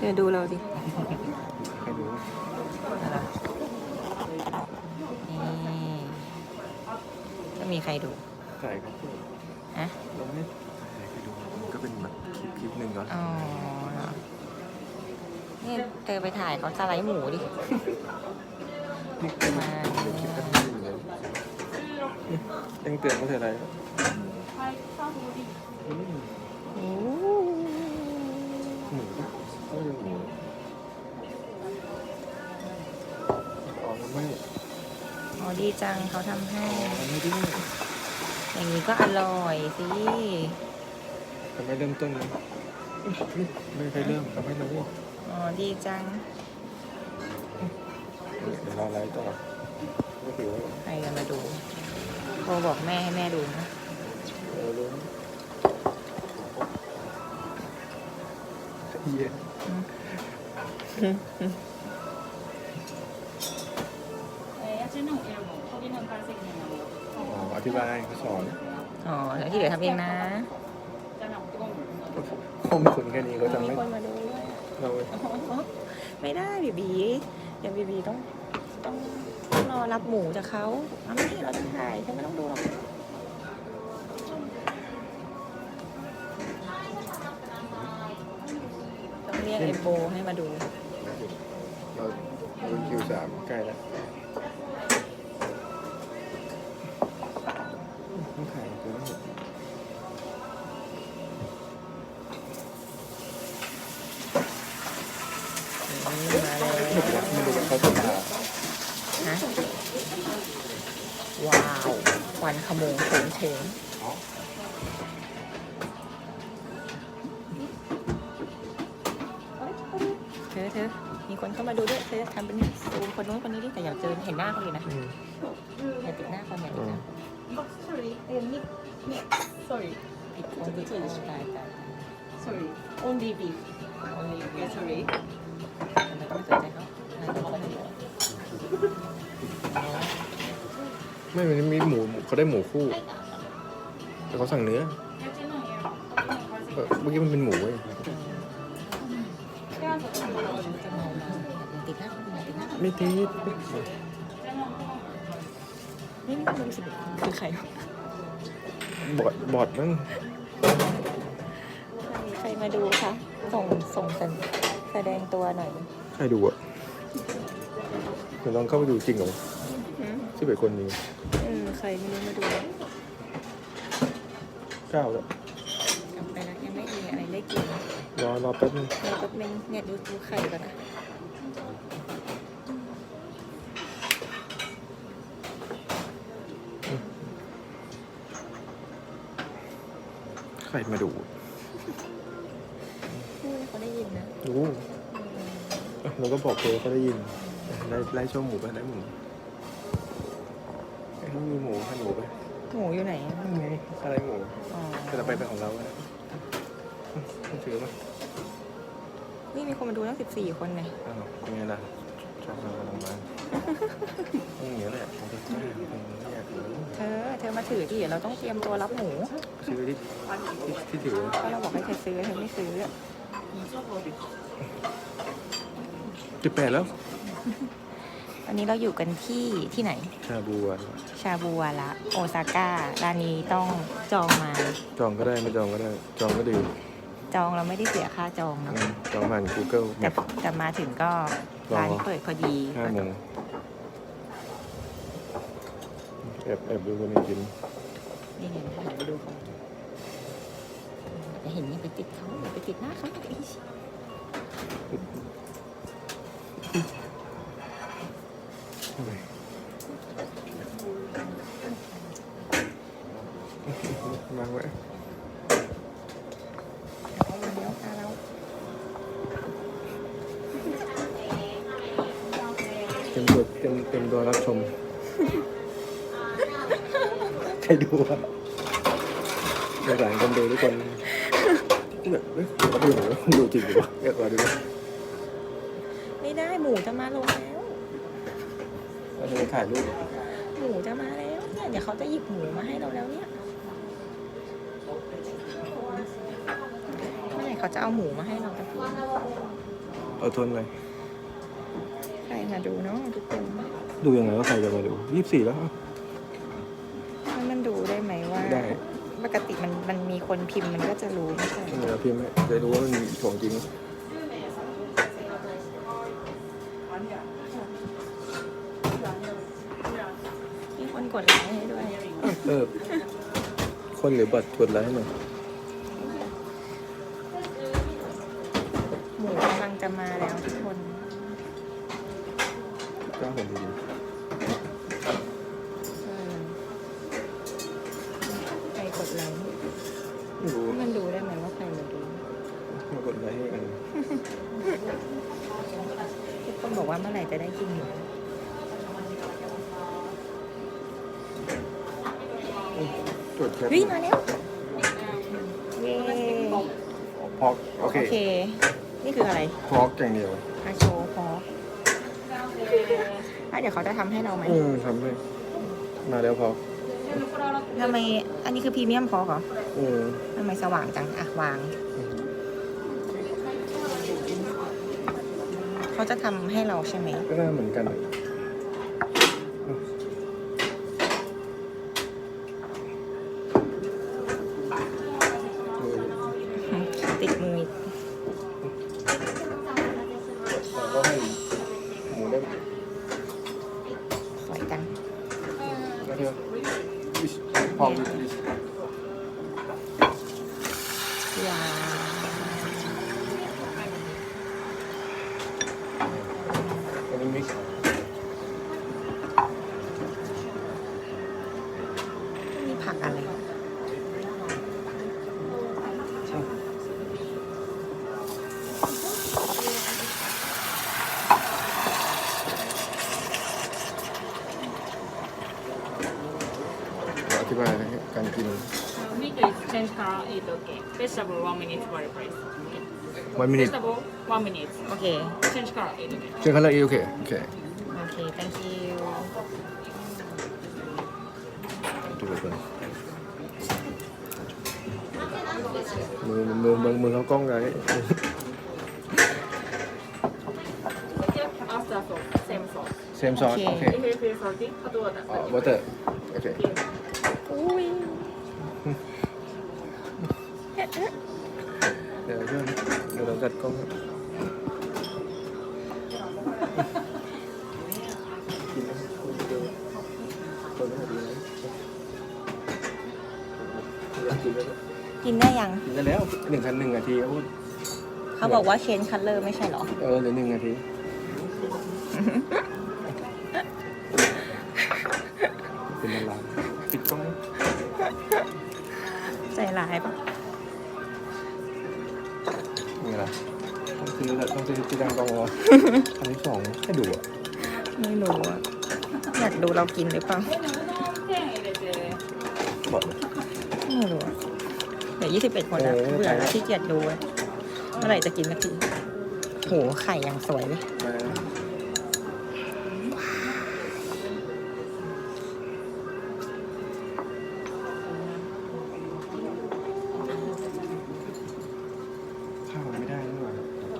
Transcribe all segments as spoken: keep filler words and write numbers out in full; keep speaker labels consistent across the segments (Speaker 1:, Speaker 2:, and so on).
Speaker 1: เดี๋ยวดูเราดิ
Speaker 2: ให้ดู
Speaker 1: นี่จะมีใครดู
Speaker 2: ถ่ายครับ
Speaker 1: ฮะ
Speaker 2: เราไม่ถ่ายใครดูมันก็เป็นแบบคลิปคลิปหนึ่งก่อน
Speaker 1: อ๋อนี่เธอไปถ่ายเขาสไลด์หมูดิมา
Speaker 2: ยังเตือนเขาเธออะไร
Speaker 1: โอ้
Speaker 2: หมูก็ยังหมูอ๋อไม่
Speaker 1: อ๋อดีจังเขาทำให้
Speaker 2: ไม่ได้
Speaker 1: อย่างนี้ก็อร่อยสิ
Speaker 2: ทำไมเริ่มต้นนะไม่เคยเริ่มทำไมเราเนี่ย
Speaker 1: อ๋อดีจัง
Speaker 2: เดี๋ยวเราไลฟ์ต่อไม่ถือว่า
Speaker 1: ใครจะมาดูโทรบอกแม่ให้แม่ดูนะ
Speaker 2: เออรู้เยี่ยอ๋ออธิบายเขาสอน
Speaker 1: อ๋อแล้วที่เหลือทำเองนะ
Speaker 2: ข้อมูลแค่นี้เขาจะไม่
Speaker 1: คนมาดู
Speaker 2: เรา
Speaker 1: ไม่ได้บีบีเดี๋ยวบีบีต้องต้องต้องรอรับหมูจากเขาเอาไม่เราจะถ่ายฉันไม่ต้องดูหรอกต้องเรียกเอโบให้มาดู
Speaker 2: เราเราคิวสามใกล้แล้วต้องถ่ายตัวนี้
Speaker 1: มาเลย
Speaker 2: ไม่รู้ว่าเขาจะมา
Speaker 1: ฮะว้าวควันขโมงโฉงเฉงเธอเธอมีคนเข้ามาดูด้วยเธอทำเป็นซูมคนนู้นคนนี้ดิแต่อย่าเจอเห็นหน้าเขาเลยนะอย่าติดหน้าคนอย่าติดหน้า
Speaker 3: sorry sorry
Speaker 1: ติดคนติดคนตายตาย
Speaker 3: sorry only beef okay sorry
Speaker 1: ทำไมต้องไม่สนใจเขา
Speaker 2: ไม่มันมีหมูเขาได้หมูคู่แต่เขาสั่งเนื้อเมื่อกี้มันเป็นหมูเว้ย
Speaker 1: ติดหน้าคนติดหน้า
Speaker 2: ไม่ติด
Speaker 1: นี่นี่คนรู้สึกคือใคร
Speaker 2: บอดบอดมั้ง
Speaker 1: ใครมาดูคะส่งส่งแสดงตัวหน่อย
Speaker 2: ใครดูอ่ะเดี๋ยวลองเข้าไปดูจริงเหรอที่เป็นคนนี้
Speaker 1: เออใครไม่รู้มาดู
Speaker 2: เก้าแล้ว
Speaker 1: กลับไปแล้วยังไม่มีอะไรได้กิน
Speaker 2: รอรอแป๊บนึง
Speaker 1: รอแป๊บนึงเนี่ยดูดูไข่ก่อนนะ
Speaker 2: ใครมาดู
Speaker 1: เขาได้ยินนะ
Speaker 2: ดูเราก็บอกเลยเขาได้ยินไล่ไล่ช่วงหมูไปไล่หมูไอ้ที่มีหมูให้หมูไป
Speaker 1: หมูอยู่ไหน
Speaker 2: นั่นไงอะไรหมูจะไปเป็นของเราแล้วต้องถือมั้ย
Speaker 1: นี่มีคนมาดูตั้งสิบสี่คนไง
Speaker 2: อ้าวยังไงล่ะชอบเรากำลังมาอย่างเงี้ยแหละผมจะแจ้งอยากรู้
Speaker 1: เธอเธอมาถือดิเราต้องเตรียมตัวรับหมู
Speaker 2: ซื้อที่ที่ถือ
Speaker 1: ก็เราบอกให้เธอซื้อเธอไม่ซื้อ
Speaker 2: สิบแปดแล้ว
Speaker 1: วันนี้เราอยู่กันที่ที่ไหน
Speaker 2: ชาบูวะ
Speaker 1: ชาบูวาระโอซาก้าร้านนี้ต้องจองมา
Speaker 2: จองก็ได้ไม่จองก็ได้จองก็ดี
Speaker 1: จองเราไม่ได้เสียค่าจองเนาะ
Speaker 2: จองผ่าน Google
Speaker 1: แต่แต่มาถึงก็ร้านเปิดพอดี
Speaker 2: ห้าโมงแอบแอบดูคนนี้กิน
Speaker 1: นี่ไงหันไปดูเขาจะเห็นนี่ไปติดเขาไปติดหน้าเขาอีก
Speaker 2: มาไว้
Speaker 1: เดี๋ยวพาเรา
Speaker 2: เต็มตัวเต็มเต็มตัวรับชมใครดูวะในหลายคนดูทุกคนแบบเฮ้ยเขาดูหนูดูจริงหรือเปล่าอยากมาดู
Speaker 1: ไม่ได้หมูจะมาลงแล้ว
Speaker 2: เราจะไปถ่ายรูป
Speaker 1: หมูจะมาแล้วเนี่ยเดี๋ยวเขาจะหยิบหมูมาให้เราแล้วเนี่ยเมื่อไหร่เขาจะเอาหมูมาให้เราตะกี้
Speaker 2: เอาทนอะไร
Speaker 1: ใครมาดูเนาะทุกคน
Speaker 2: ดูยังไงว่าใครจะมาดูยี่สิบสี่แล้ว
Speaker 1: ให้มันดูได้ไหมว่า
Speaker 2: ได้
Speaker 1: ปกติมันมันมีคนพิมพ์มันก็จะรู้ไม่ใช่
Speaker 2: เดี๋ยวพิมพ์ให้จะรู้ว่ามันมีของจริง
Speaker 1: มีคนกดไลค์ให้ด้วย
Speaker 2: เออ คนหรือบัตรกดไลค์ให้หน่อย
Speaker 1: หมูกำลังจะมาแล้วทุกคน
Speaker 2: กล้าผมดี
Speaker 1: เออใครกดไลค์
Speaker 2: ๆไม่รู้
Speaker 1: มันดูได้ไหมว่าใครมาดู
Speaker 2: มากดไลค์ให้กัน
Speaker 1: ทุกคนบอกว่าเมื่อไหร่จะได้กินหมู
Speaker 2: จดแคป
Speaker 1: เฮ้ยมาแล้วเย้
Speaker 2: พอกโอเค
Speaker 1: โอเค นี่คืออะไร
Speaker 2: พอกอย่างเดียว
Speaker 1: อาโชว์พออ่ะเดี๋ยวเขาจะทำให้เราไหม
Speaker 2: อืมทำให้มาแล้วพอก
Speaker 1: ทำไมอันนี้คือพรีเมียมพอเหรอ
Speaker 2: อืม
Speaker 1: ทำไมสว่างจังอ่ะวาง เขาจะทำให้เราใช่ไหม
Speaker 2: ก็น่าเหมือนกันเออ
Speaker 1: ติดมือ
Speaker 2: แต่ก็ให้หมูได้
Speaker 1: สวยจัง
Speaker 2: ก็เถอะพอก
Speaker 1: ว้าว
Speaker 2: อันนี้มิกซ์
Speaker 1: นี่ผักอะไร
Speaker 2: อธิบายนะฮะการกิน
Speaker 3: Meat is change color is okay. Vegetable one minute for price.
Speaker 2: one minute
Speaker 3: Vegetable one minute.
Speaker 1: โอเค
Speaker 3: Change color is okay.
Speaker 2: เจอกันแล้วโอเคโอเค
Speaker 1: โอเค thank you
Speaker 2: ดูไปเลยมือมือมือมือเขากล้องไง
Speaker 3: After sauce, same sauce.
Speaker 2: เซมซอสโอเค
Speaker 3: If you feel salty, put water.
Speaker 2: อ๋อวอเตอร์โอเค
Speaker 1: อุ้ย
Speaker 2: เดี๋ยวช่วยเดี๋ยวเราจัดกล้องให้กินนะคนไม่ดีนะกินแล้ว
Speaker 1: กินได้ยัง
Speaker 2: กินได้แล้วหนึ่งคันหนึ่งนาทีครับพูด
Speaker 1: เขาบอกว่าเชนคัลเลอร์ไม่ใช่เหรอ
Speaker 2: เออเหลือหนึ่งนาทีเป็นอะไรปิดกล้อง
Speaker 1: ใจร้ายปะ
Speaker 2: นี่แหละต้องซื้อต้องซื้อที่ดังกล้องวะอันที่สองให้ดูอ่ะ
Speaker 1: ไม่รู้อะอยากดูเรากินหรือเปล่า
Speaker 2: บอกเลย
Speaker 1: ไม่รู้อะเดี๋ยวยี่สิบเอ็ดคนแล้ว
Speaker 2: เออ
Speaker 1: เบื่อแล้วขี้เกียจดูอะเมื่อไหร่จะกินสักทีโหไข่ยังสวยเลย
Speaker 2: มาข้าวไม่ได้นี่หว่า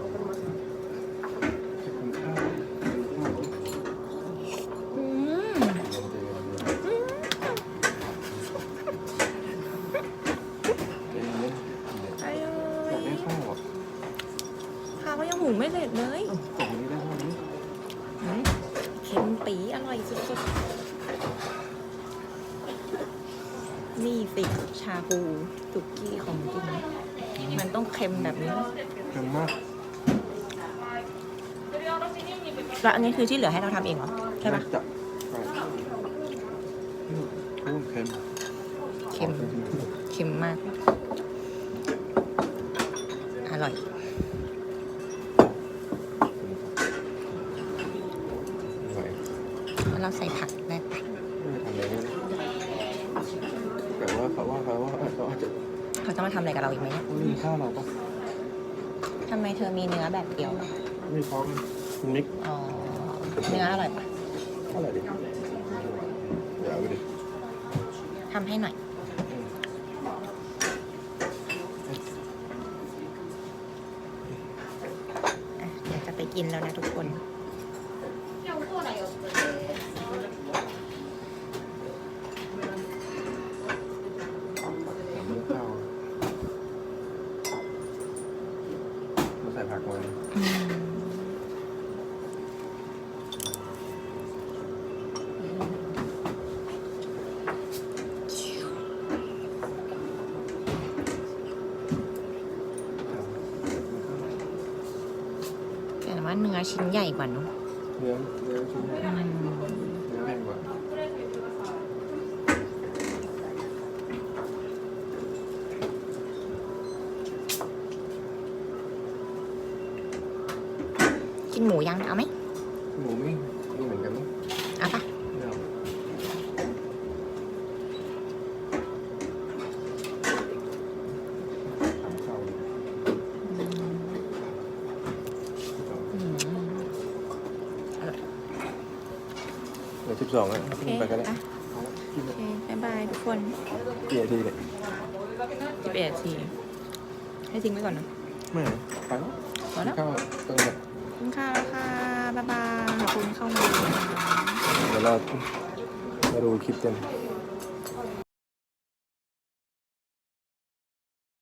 Speaker 2: จะกินข้าวกินข้าว
Speaker 1: อืม
Speaker 2: เย็นเย็น
Speaker 1: อร่
Speaker 2: อยาก
Speaker 1: อย
Speaker 2: ได้ข้าวอ่ะ
Speaker 1: ข้าวก็ยังหุงไม่เสร็จเลย
Speaker 2: กล่องนี้ได้ข้าวนี้
Speaker 1: อืมเค็มปีอร่อยสุดๆ นี่สิชาบูสุกี้ของจริง มันต้องเค็มแบบนี้
Speaker 2: เค็มมาก
Speaker 1: แล้วอันนี้คือที่เหลือให้เราทำเองเหรอ ใช่ปะ
Speaker 2: จับไปโอ้เค็ม
Speaker 1: เค็ม เค็มมาก อร่อย
Speaker 2: ไหว
Speaker 1: แล้วเราใส่ผักได้ปะ
Speaker 2: ไม่ทำอะไรเลยแต่ว่าเขาว่าเขาว่าเขาอาจจะ
Speaker 1: เขาจะมาทำอะไรกับเราอีกไหมเนี่ย
Speaker 2: ไม่มีข้าวเราปะ
Speaker 1: ทำไมเธอมีเนื้อแบบเดียวอะ
Speaker 2: ไม่พร้อมมิก
Speaker 1: อ๋อ เนื้ออร่อยปะ
Speaker 2: เท่าไหร่ดิเดี๋ยวเอาไปดิ
Speaker 1: ทำให้หน่อย อ่ะเดี๋ยวจะไปกินแล้วนะทุกคน
Speaker 2: น้ำมันข้าวมาใส่ผักมา
Speaker 1: อืมแต่ว่าเนื้อชิ้นใหญ่กว่าเนอะ
Speaker 2: เนื้อเนื้อชิ้นใหญ่
Speaker 1: อืม
Speaker 2: เนื้อแพงกว่า
Speaker 1: กินหมูยังเอาไหม
Speaker 2: หมูไม่ไม่เหมือนกันมั้ง
Speaker 1: เอาปะ
Speaker 2: ไม่เอาทำข้าวดิ
Speaker 1: อืม
Speaker 2: เหลือสิบสองแล้ว
Speaker 1: โอเค
Speaker 2: ไปก็ได้
Speaker 1: อ่ะ
Speaker 2: เอาละกิน
Speaker 1: โอ
Speaker 2: เลย
Speaker 1: เคบ๊ายบายทุกคน
Speaker 2: กี่นาทีเนี่ย
Speaker 1: สิบเอ็ดนาทีให้ทิ้งไว้ก่อนนะ
Speaker 2: ไม่ไปแล้ว
Speaker 1: พอแล้ว
Speaker 2: ข้าวตรงนี้
Speaker 1: ขอบคุณค่ะแล้วค่ะบ๊ายบายขอบคุณเข้ามาดูนะคะ
Speaker 2: เดี๋ยวเรามาดูคลิปเต็ม